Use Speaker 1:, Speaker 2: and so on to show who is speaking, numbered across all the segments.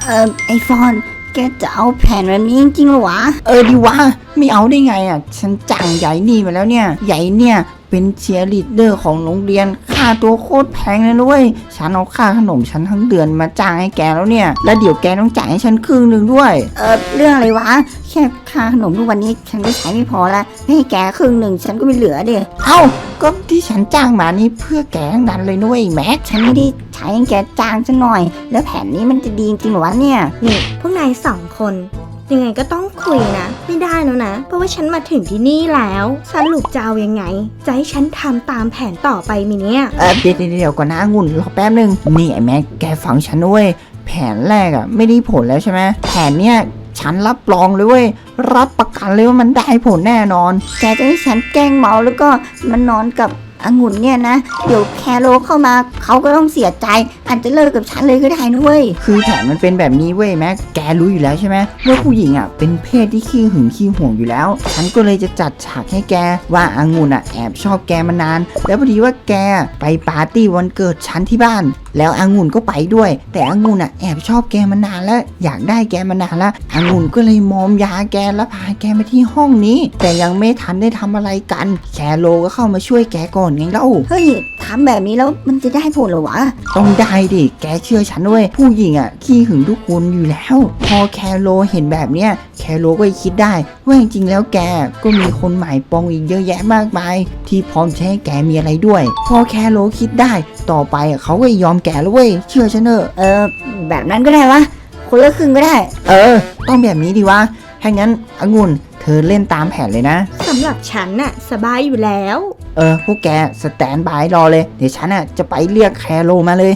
Speaker 1: ไอฟอนแกจะเอาแผนแบบนี้จริงๆหรอวะ
Speaker 2: ดีวะไม่เอาได้ไงฉันจ้างใหญ่นี่มาแล้วเนี่ยใหญ่เนี่ยเป็นเชียร์ลีดเดอร์ของโรงเรียนค่าตัวโคตรแพงเลยด้วยฉันเอาค่าขนมฉันทั้งเดือนมาจ้างให้แกแล้วเนี่ยแล้วเดี๋ยวแกต้องจ่ายให้ฉันครึ่งหนึ่งด้วย
Speaker 1: เรื่องอะไรวะแค่ค่าขนมทุกวันนี้ฉันก็ใช้ไม่พอละให้แกครึ่งหนึ่งฉันก็ไม่เหลือเด้
Speaker 2: ก็ที่ฉันจ้างมานี่เพื่อแกทั้งนั้นเลยนุ้ยแม็ก
Speaker 1: ฉันไม่ได้ใช้ให้แกจ้างฉันหน่อยแล้วแผนนี้มันจะดีจริงหรอวะเนี่ย
Speaker 3: นี่พวกนาย2 คนยังไงก็ต้องคุยนะไม่ได้แล้วนะเพราะว่าฉันมาถึงที่นี่แล้วสรุปจะเอายังไงจะให้ฉันทำตามแผนต่อไปมิเนี่ย
Speaker 2: เดี๋ยวก่อนนะองุ่นรอแป๊บนึงนี่ไอ้แม็กแกฟังฉันด้วยแผนแรกไม่ได้ผลแล้วใช่ไหมแผนเนี้ยฉันรับรองเลยเว้ยรับประกันเลยว่ามันได้ผลแน่นอน
Speaker 1: แกจะให้ฉันแกล้งเมาแล้วก็มันนอนกับองุ่นเนี่ยนะเดี๋ยวแคโรเข้ามาเขาก็ต้องเสียใจอาจจะเลิกกับฉันเลยก็ได้นะเว้ย
Speaker 2: คือแผนมันเป็นแบบนี้เว้ยแม็กแกรู้อยู่แล้วใช่ไหมว่าผู้หญิงเป็นเพศที่ขี้หึงขี้ห่วงอยู่แล้วฉันก็เลยจะจัดฉากให้แกว่าองุ่นแอบชอบแกมานานแล้วพอดีว่าแกไปปาร์ตี้วันเกิดฉันที่บ้านแล้วองุ่นก็ไปด้วยแต่องุ่นแอบชอบแกมานานแล้วอยากได้แกมานานแล้วองุ่นก็เลยมอมยาแกแล้วพาแกมาที่ห้องนี้แต่ยังไม่ทันได้ทำอะไรกันแคโรก็เข้ามาช่วยแกก่อนไงเล่า
Speaker 1: เฮ้ยทำแบบนี้แล้วมันจะได้ผลหรอวะ
Speaker 2: ต้องได้ดิแกเชื่อฉันด้วยผู้หญิงขี้หึงทุกคนอยู่แล้วพอแคโรเห็นแบบเนี้ยแคโรก็คิดได้ว่าจริงๆแล้วแกก็มีคนหมายปองอีกเยอะแยะมากมายที่พร้อมจะให้แกมีอะไรด้วยพอแคโรคิดได้ต่อไปเขาก็ยอมแกแล้วเว้ยเชื่อฉันเถอะ
Speaker 1: แบบนั้นก็ได้วะคนละครึ่งก็ได้
Speaker 2: ต้องแบบนี้ดีวะถ้างั้นองุ่นเธอเล่นตามแผนเลยนะ
Speaker 3: สำหรับฉันสบายอยู่แล้ว
Speaker 2: พวกแกสแตนบายรอเลยเดี๋ยวฉันจะไปเรียกแคโรมาเลย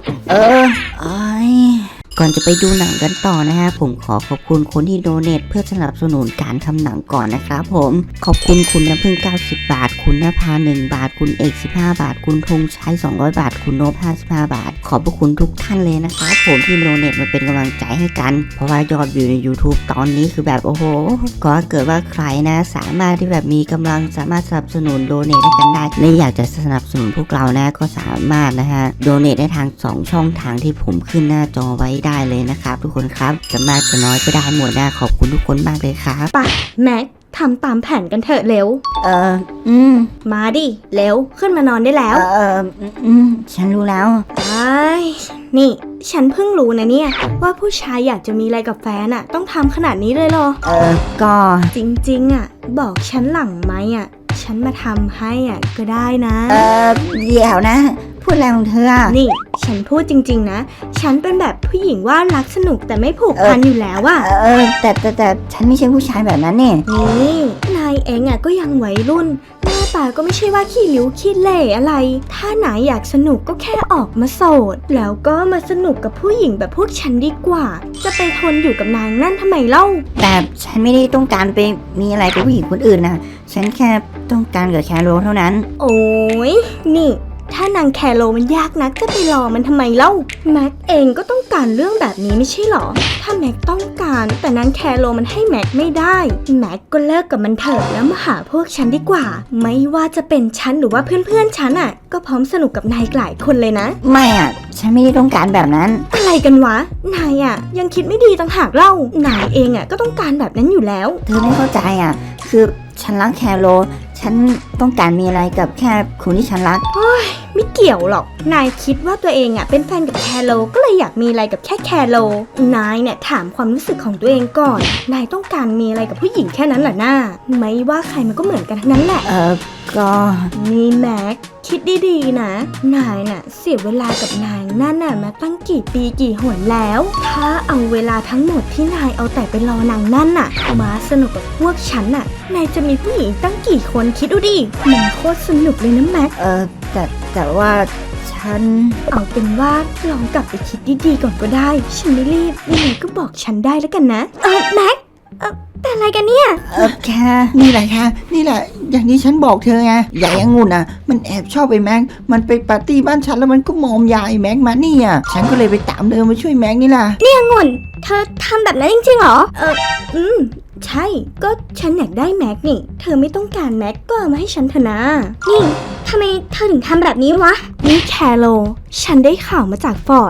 Speaker 1: ก่อนจะไปดูหนังกันต่อนะฮะผมขอขอบคุณคนที่โดเนทเพื่อสนับสนุนการทำหนังก่อนนะครับผมขอบคุณคุณน้ำพึ่ง90 บาทคุณนภา1 บาทคุณเอก15 บาทคุณธงชัย200 บาทคุณโนบ55 บาทขอบพระคุณทุกท่านเลยนะครับผมที่โดเนทมาเป็นกำลังใจให้กันเพราะว่ายอดวิวใน YouTube ตอนนี้คือแบบโอ้โหก็เกิดว่าใครนะสามารถที่แบบมีกำลังสามารถสนับสนุนโดเนทให้กันได้และอยากจะสนับสนุนพวกเรานะก็สามารถนะฮะโดเนทได้ทาง2 ช่องทางที่ผมขึ้นหน้าจอไว้ได้เลยนะครับทุกคนครับจะมากจะน้อยก็ได้หมดนะขอบคุณทุกคนมากเลยครับ
Speaker 3: ไปแม็กทำตามแผนกันเถอะเร็วมาดิเร็วขึ้นมานอนได้แล้ว
Speaker 1: ฉันรู้แล้ว
Speaker 3: นี่ฉันเพิ่งรู้นะเนี่ยว่าผู้ชายอยากจะมีอะไรกับแฟนต้องทำขนาดนี้เลยเหรอ
Speaker 1: ก็
Speaker 3: จริงๆบอกฉันหลังไหมฉันมาทำให้ก็ได้นะ
Speaker 1: เดี๋ยวนะพูดอะไรของเธอ
Speaker 3: นี่ฉันพูดจริงๆนะฉันเป็นแบบผู้หญิงว่ารักสนุกแต่ไม่ผูกพันอยู่แล้ว
Speaker 1: แต่ฉันไม่ใช่ผู้ชายแบบนั้นเนี่ย
Speaker 3: นี่นายเองก็ยังวัยรุ่นหน้าตาก็ไม่ใช่ว่าขี้ริ้วขี้เหร่อะไรถ้านายอยากสนุกก็แค่ออกมาโสดแล้วก็มาสนุกกับผู้หญิงแบบพวกฉันดีกว่าจะไปทนอยู่กับนางนั่นทำไมเล่า
Speaker 1: แต่ฉันไม่ได้ต้องการไปมีอะไรกับผู้หญิงคนอื่นนะฉันแค่ต้องการกับแคโรเท่านั้น
Speaker 3: โอ้ยนี่ถ้านางแคโรมันยากนักจะไปรอมันทำไมเล่าแม็กเองก็ต้องการเรื่องแบบนี้ไม่ใช่หรอถ้าแม็กต้องการแต่นางแคโรมันให้แม็กไม่ได้แม็กก็เลิกกับมันเถอะแล้วมาหาพวกฉันดีกว่าไม่ว่าจะเป็นฉันหรือว่าเพื่อนฉันก็พร้อมสนุกกับนายหลายคนเลยนะ
Speaker 1: ไม่ฉันไม่ได้ต้องการแบบนั้น
Speaker 3: อะไรกันวะนายยังคิดไม่ดีต่างหากเล่านายเองก็ต้องการแบบนั้นอยู่แล้ว
Speaker 1: เธอไม่เข้าใจคือฉันรักแคโรฉันต้องการมีอะไรกับแค่คนที่ฉันรัก
Speaker 3: ไม่เกี่ยวหรอกนายคิดว่าตัวเองเป็นแฟนกับแคโรก็เลยอยากมีอะไรกับแค่แคโรนายเนี่ยถามความรู้สึกของตัวเองก่อนนายต้องการมีอะไรกับผู้หญิงแค่นั้นแหละหน้าไม่ว่าใครมันก็เหมือนกันทั้งนั้นแหละ
Speaker 1: ก็
Speaker 3: นี่แม็กคิดดีๆนะนายน่ะเสียเวลากับนายนั่นมาตั้งกี่ปีกี่หนแล้วถ้าเอาเวลาทั้งหมดที่นายเอาแต่ไปรอนางนั่นมาสนุกกับพวกฉันนายจะมีผู้หญิงตั้งกี่คนคิดดูดิมันโคตรสนุกเลยนะแม็ก
Speaker 1: แต่ว่าฉัน
Speaker 3: เอาเป็นว่าลองกลับไปคิดดีๆก่อนก็ได้ฉันไม่รีบยังไงก็บอกฉันได้แล้วกันนะแม็กแต่อะไรกันเนี่ย
Speaker 1: แค่
Speaker 2: นี่แหละค่ะนี่แหละอย่างที่ฉันบอกเธอไงใหญ่องุ่นมันแอบชอบไอ้แม็กมันไปปาร์ตี้บ้านฉันแล้วมันก็มอมยาไอ้แม็กมานี่ฉันก็เลยไปตามเธอมาช่วยแม็กนี่ล่ะ
Speaker 3: นี่องุ่นเธอทำแบบนั้นจริงๆเหรอใช่ก็ฉันอยากได้แม็กนี่เธอไม่ต้องการแม็กก็เอามาให้ฉันเถอะนะนี่ทำไมเธอถึงทำแบบนี้วะนี่แคโรฉันได้ข่าวมาจากฟอร์ด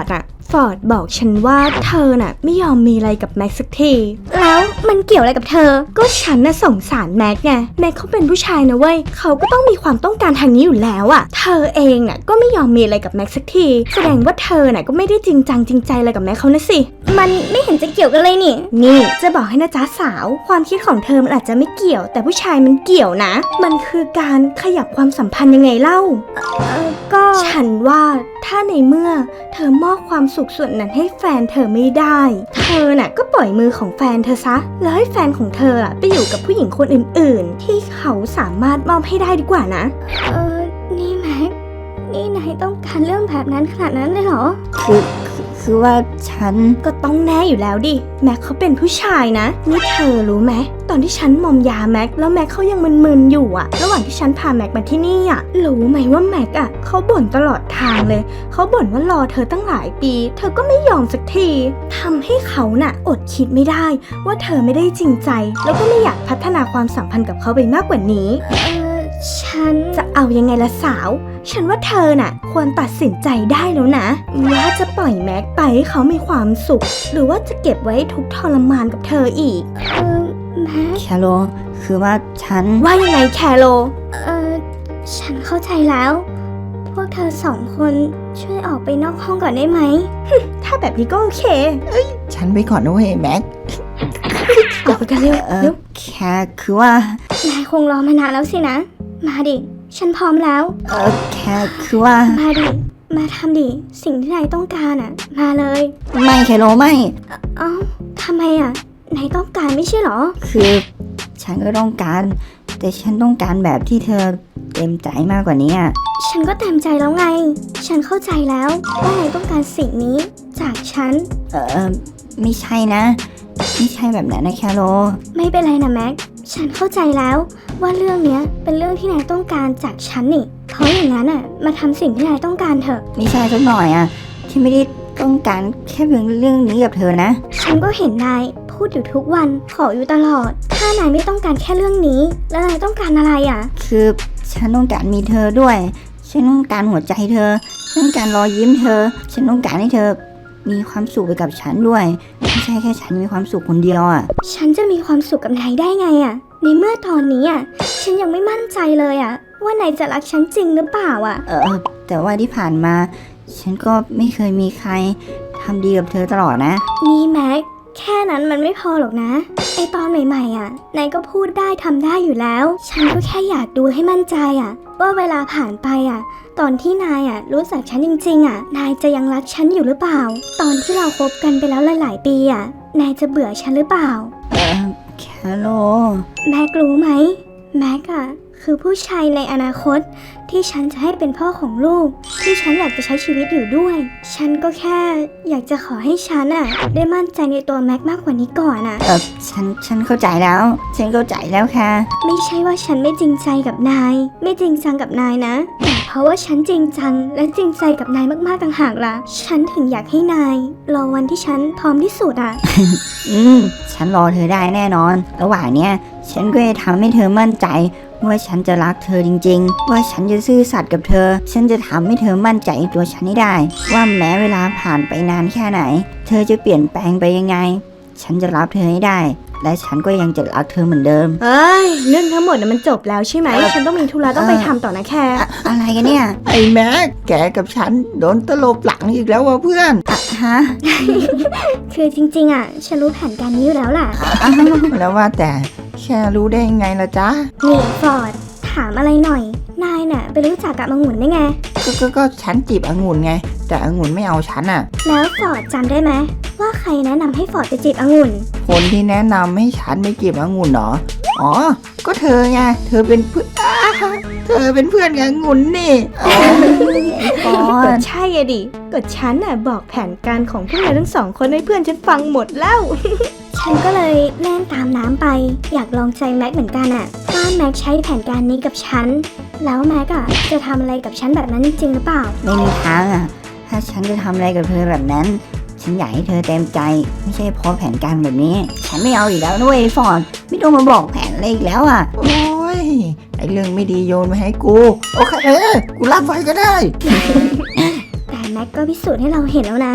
Speaker 3: ฟอร์ดบอกฉันว่าเธอน่ะไม่ยอมมีอะไรกับแม็กสักทีแล้วมันเกี่ยวอะไรกับเธอก็ฉันน่ะสงสารแม็กไงแม็กเขาเป็นผู้ชายนะเว้ยเขาก็ต้องมีความต้องการทางนี้อยู่แล้วอะเธอเองน่ะก็ไม่ยอมมีอะไรกับแม็กสักทีแสดงว่าเธอน่ะก็ไม่ได้จริงจังจริงใจอะไรกับแม็กเขานะสิมันไม่เห็นจะเกี่ยวกันเลยนี่จะบอกให้นะจ๊ะสาวความคิดของเธอมันอาจจะไม่เกี่ยวแต่ผู้ชายมันเกี่ยวนะมันคือการขยับความสัมพันธ์ยังไงเล่าก็ฉันว่าถ้าในเมื่อเธอมอบความสุขส่วนนั้นให้แฟนเธอไม่ได้เธอน่ะก็ปล่อยมือของแฟนเธอซะแล้วให้แฟนของเธอไปอยู่กับผู้หญิงคนอื่นๆที่เขาสามารถมอบให้ได้ดีกว่านะนี่แม็กนี่นายต้องการเรื่องแบบนั้นขนาดนั้นเลยเหรอ
Speaker 1: คือว่าฉัน
Speaker 3: ก็ต้องแน่อยู่แล้วดิแม็กเขาเป็นผู้ชายนะนี่เธอรู้ไหมตอนที่ฉันมอมยาแม็กแล้วแม็กเขายังมึนๆอยู่อะระหว่างที่ฉันพาแม็กมาที่นี่อะรู้ไหมว่าแม็กอะเขาบ่นตลอดทางเลยเขาบ่นว่ารอเธอตั้งหลายปีเธอก็ไม่ยอมสักทีทำให้เขาน่ะอดคิดไม่ได้ว่าเธอไม่ได้จริงใจแล้วก็ไม่อยากพัฒนาความสัมพันธ์กับเขาไปมากกว่านี้ฉันจะเอายังไงล่ะสาวฉันว่าเธอน่ะควรตัดสินใจได้แล้วนะว่าจะปล่อยแม็กไปให้เขามีความสุขหรือว่าจะเก็บไว้ทุกข์ทรมานกับเธออีกแม็ก
Speaker 1: แคโรคือว่าฉัน
Speaker 3: ว่ายังไงแคโรฉันเข้าใจแล้วพวกเธอสองคนช่วยออกไปนอกห้องก่อนได้ไหม ถ้าแบบนี้ก็โอเค
Speaker 2: ฉันไปก่อนนะเว้ยแม็ก
Speaker 3: ออกไปกันเร็ว
Speaker 1: แค่คือว่าน
Speaker 3: ายคงรอมานานแล้วสินะมาดิฉันพร้อมแล้ว
Speaker 1: แค่คือว่า
Speaker 3: มาดิมาทำดิสิ่งที่นายต้องการมาเลย
Speaker 1: ไม่แคโรไม่
Speaker 3: ทำไมนายต้องการไม่ใช่หรอ
Speaker 1: คือฉันก็ต้องการแต่ฉันต้องการแบบที่เธอเต็มใจมากกว่านี้
Speaker 3: ฉันก็เต็มใจแล้วไงฉันเข้าใจแล้วว่านายต้องการสิ่งนี้จากฉัน
Speaker 1: ไม่ใช่นะไม่ใช่แบบนั้นนะแคโร
Speaker 3: ไม่เป็นไรนะแม็กฉันเข้าใจแล้วว่าเรื่องนี้เป็นเรื่องที่นายต้องการจากฉันนี่เพราะอย่างนั้นมาทำสิ่งที่นายต้องการเถอะ
Speaker 1: ไม่ใช่สักหน่อยฉันไม่ได้ต้องการแค่เรื่องนี้กับเธอนะ
Speaker 3: ฉันก็เห็นนายพูดอยู่ทุกวันขออยู่ตลอดถ้านายไม่ต้องการแค่เรื่องนี้แล้วนายต้องการอะไร
Speaker 1: คือฉันต้องการมีเธอด้วยฉันต้องการหัวใจเธอฉันต้องการรอยยิ้มเธอฉันต้องการให้เธอมีความสุขไปกับฉันด้วยไม่ใช่แค่ฉันมีความสุขคนเดียว
Speaker 3: ฉันจะมีความสุขกับนายได้ไงในเมื่อตอนนี้ฉันยังไม่มั่นใจเลยว่านายจะรักฉันจริงหรือเปล่า
Speaker 1: แต่ว่าที่ผ่านมาฉันก็ไม่เคยมีใครทำดีกับเธอตลอดนะ
Speaker 3: นี่แม็กแค่นั้นมันไม่พอหรอกนะไอตอนใหม่ๆนายก็พูดได้ทำได้อยู่แล้วฉันก็แค่อยากดูให้มั่นใจว่าเวลาผ่านไปตอนที่นายรู้จักฉันจริงๆนายจะยังรักฉันอยู่หรือเปล่าตอนที่เราคบกันไปแล้วหลายๆปีนายจะเบื่อฉันหรือเปล่า
Speaker 1: แคโร
Speaker 3: แม็กรู้ไหมแม็กคือผู้ชายในอนาคตที่ฉันจะให้เป็นพ่อของลูกที่ฉันอยากจะใช้ชีวิตอยู่ด้วยฉันก็แค่อยากจะขอให้ฉันได้มั่นใจในตัวแม็กมากกว่านี้ก่อน
Speaker 1: ฉันเข้าใจแล้วฉันเข้าใจแล้วค่ะ
Speaker 3: ไม่ใช่ว่าฉันไม่จริงใจกับนายไม่จริงจังกับนายนะแต่เพราะว่าฉันจริงจังและจริงใจกับนายมากๆต่างหากล่ะฉันถึงอยากให้นายรอวันที่ฉันพร้อมที่สุด
Speaker 1: ฉันรอเธอได้แน่นอนระหว่างเนี้ยฉันก็จะทำให้เธอมั่นใจว่าฉันจะรักเธอจริงๆว่าฉันจะซื่อสัตย์กับเธอฉันจะทำให้เธอมั่นใจในตัวฉันให้ได้ว่าแม้เวลาผ่านไปนานแค่ไหนเธอจะเปลี่ยนแปลงไปยังไงฉันจะรับเธอให้ได้และฉันก็ยังจะรักเธอเหมือนเดิม
Speaker 3: เรื่องทั้งหมดมันจบแล้วใช่ไหมฉันต้องมีธุระต้องไปทำต่อนะแค่
Speaker 1: อะไรกันเนี่ย
Speaker 2: ไอ้แม็กแกกับฉันโดนตลบหลังอีกแล้วว่ะเพื่อน
Speaker 1: ฮะ
Speaker 3: คือจริงๆฉันรู้แผนการนี้อยู่แล้วล่ะ
Speaker 2: แล้วว่าแต่แค่รู้ได้ยังไงล่ะจ๊ะ
Speaker 3: นี่ฟอร์ดถามอะไรหน่อยนายไปรู้จักกับองุ่นได้ไง
Speaker 2: ก็ฉันจีบองุ่นไงแต่องุ่นไม่เอาฉัน
Speaker 3: แล้วฟอร์ดจำได้ไหมว่าใครแนะนำให้ฟอร์ดไปจีบองุ่น
Speaker 2: คนที่แนะนำให้ฉันไปจีบองุ่นเหรอก็เธอไงเธอเป็นเพื่อนกับองุ่นนี่
Speaker 3: ก็ใช่ดิก็ฉันบอกแผนการของพวกเราทั้งสองคนให้เพื่อนฉันฟังหมดแล้วฉันก็เลยเล่นตามน้ำไปอยากลองใจแม็กเหมือนกันว่าแม็กใช้แผนการนี้กับฉันแล้วแม็กจะทำอะไรกับฉันแบบนั้นจริงหรือเปล่า
Speaker 1: ไม่มีทางถ้าฉันจะทำอะไรกับเธอแบบนั้นฉันอยากให้เธอเต็มใจไม่ใช่เพราะแผนการแบบนี้ฉันไม่เอาอีกแล้วด้วยฟอร์ดไม่ต้องมาบอกแผนอะไรอีกแล้ว
Speaker 2: โอ้ยไอเรื่องไม่ดีโยนมาให้กูโอเคกูรับไว้ก็ได้
Speaker 3: แต่แม็กก็พิสูจน์ให้เราเห็นแล้วนะ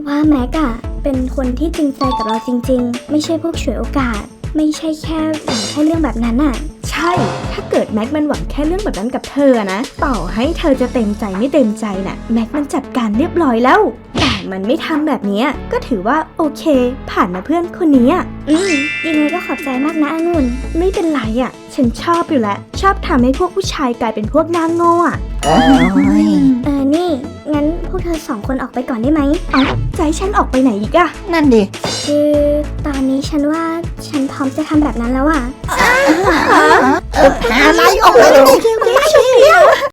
Speaker 4: ว่าแม็กอะเป็นคนที่จริงใจกับเราจริงๆไม่ใช่พวกฉวยโอกาสไม่ใช่แค่หวังแค่เรื่องแบบนั้นอะ
Speaker 3: ใช่ ถ้าเกิดแม็กมันหวังแค่เรื่องแบบนั้นกับเธอนะ ต่อให้เธอจะเต็มใจไม่เต็มใจน่ะ แม็กมันจัดการเรียบร้อยแล้ว แต่มันไม่ทำแบบเนี้ยก็ถือว่าโอเค ผ่านนะเพื่อนคนนี้อะ
Speaker 4: ยังไงก็ขอบใจมากนะองุ่น
Speaker 3: ไม่เป็นไรอะฉันชอบอยู่แล้ว ชอบทำให้พวกผู้ชายกลายเป็นพวกหน้าโง่อะ
Speaker 2: โอ้ย
Speaker 4: นี่งั้นพวกเธอสองคนออกไปก่อนได้ไหม
Speaker 3: เอาใจฉันออกไปไหนอีกอะ
Speaker 2: นั่นดิ
Speaker 4: คือตอนนี้ฉันว่าฉันพร้อมจะทำแบบนั้นแล้วอะ
Speaker 2: อะไรออกไปเลย